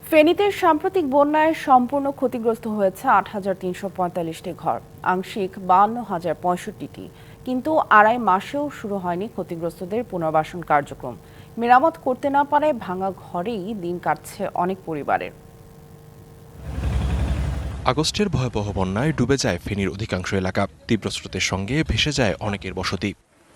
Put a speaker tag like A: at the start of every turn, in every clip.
A: ফেনীতে সাম্প্রতিক বন্যায় সম্পূর্ণ ক্ষতিগ্রস্ত হয়েছে ৮,৩৪৫টি ঘর, আংশিক ৫২,০৬৫টি। কিন্তু আড়াই মাসেও শুরু হয়নি ক্ষতিগ্রস্তদের পুনর্বাসন কার্যক্রম। মেরামত করতে না পারায় ভাঙা ঘরেই দিন কাটছে অনেক পরিবারের।
B: আগস্টের ভয়াবহ বন্যায় ডুবে যায় ফেনীর অধিকাংশ এলাকা। তীব্র স্রোতের সঙ্গে ভেসে যায় অনেকের বসতি।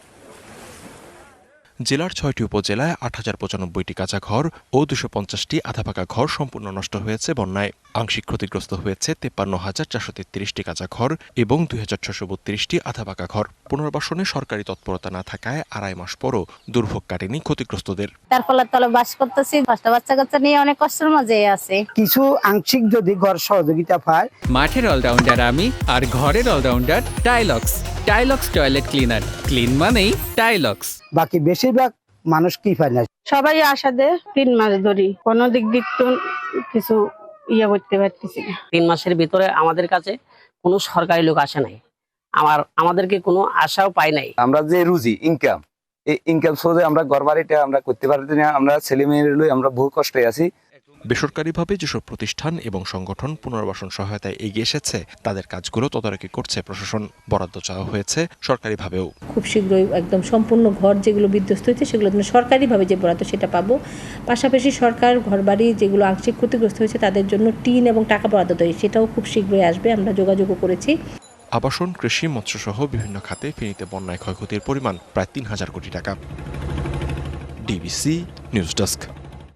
B: জেলার ৬টি উপজেলায় ৮,০৯৫টি কাঁচা ঘর ও ২৫০টি আধাপাকা ঘর সম্পূর্ণ নষ্ট হয়েছে বন্যায়। আংশিক ক্ষতিগ্রস্ত হয়েছে ৫৩,৪৩৩টি কাঁচা ঘর এবং ২,৬৩২টি আধাপাকা ঘর। পুনর্বাসনে সরকারি তৎপরতা না থাকায় আড়াই মাস পরও দুর্ভোগ কাটেনি ক্ষতিগ্রস্তদের।
C: তারপরে তলে বাস করতেছি, বাচ্চা কাচ্চা নিয়ে অনেক কষ্টের মাঝে আছে।
D: কিছু আংশিক যদি ঘর সহযোগিতা পায়।
E: মাঠের অলরাউন্ডার আমি, আর ঘরের allrounder Tylox. Tylox toilet cleaner, clean মানেই টাইলক্স।
D: বাকি বেশিরভাগ মানুষ কি পায় না।
F: সবাই আশা দেয় ৩ মাস ধরে, কোনো দিক কিছু করতে পারতেছি না।
G: ৩ মাসের ভিতরে আমাদের কাছে কোনো সরকারি লোক আসে নাই, আমাদেরকে কোনো আশাও পাই নাই।
H: আমরা যে রুজি ইনকাম, এই ইনকাম সোর্সে আমরা ঘর বাড়িটা আমরা করতে পারছি না। আমরা ছেলে মেয়ের লই আমরা বহু কষ্টে আছি।
B: বেসরকারিভাবে যেসব প্রতিষ্ঠান এবং সংগঠন পুনর্বাসন সহায়তায় এগিয়ে এসেছে তাদের কাজগুলো তদারকি করছে প্রশাসন। বরাদ্দ চাওয়া হয়েছে সরকারিভাবেও।
I: খুব শীঘ্রই একদম সম্পূর্ণ ঘর যেগুলো বিধ্বস্ত হয়েছে সেগুলো সরকারিভাবে যে বরাদ্দ সেটা পাবো। পাশাপাশি সরকার ঘরবাড়ি যেগুলো আংশিক ক্ষতিগ্রস্ত হয়েছে তাদের জন্য টিন এবং টাকা বরাদ্দ দেয়, সেটাও খুব শীঘ্রই আসবে। আমরা যোগাযোগও করেছি।
B: আবাসন, কৃষি, মৎস্যসহ বিভিন্ন খাতে ফেনীতে বন্যায় ক্ষয়ক্ষতির পরিমাণ প্রায় ৩,০০০ কোটি টাকা। DBC news desk.